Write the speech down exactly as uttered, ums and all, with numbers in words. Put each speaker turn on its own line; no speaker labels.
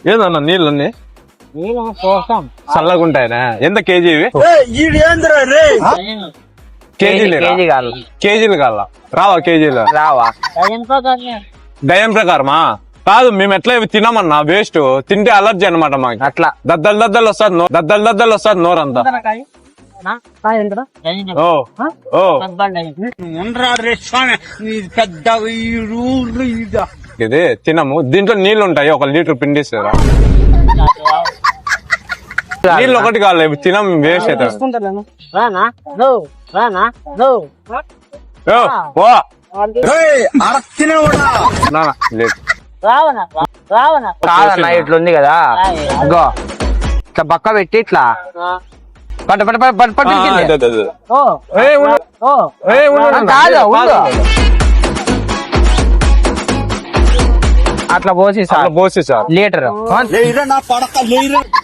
ఏదన్నా నీళ్ళన్నీ చల్లగా ఉంటాయనా? ఎంత కేజీ ఇవి? కేజీలు కేజీలు కాల రావా? కేజీలు
రావా?
దయం ప్రకారమా? కాదు, మేము ఎట్లా ఇవి తినమన్నా, వేస్ట్. తింటే అలర్జీ అనమాట మాకు. అట్లా దద్దలు దద్దలు వస్తుంది, దద్దలు దద్దలు వస్తుంది నోరంతా. ఓ ఓ ఇది తినము. దీంట్లో నీళ్లు ఉంటాయి, ఒక లీటర్ పిండిస్తారా? నీళ్ళు ఒకటి కావాలి, తినం, వేస్ట్ అవుతారు.
కాదన్నా ఇట్లుంది కదా, ఇగో ఇట్లా పక్క పెట్టి ఇట్లా పట్టు పట్టు పట్టు పట్టు అట్లా పోసి సార్,
పోసి సార్
లీటర్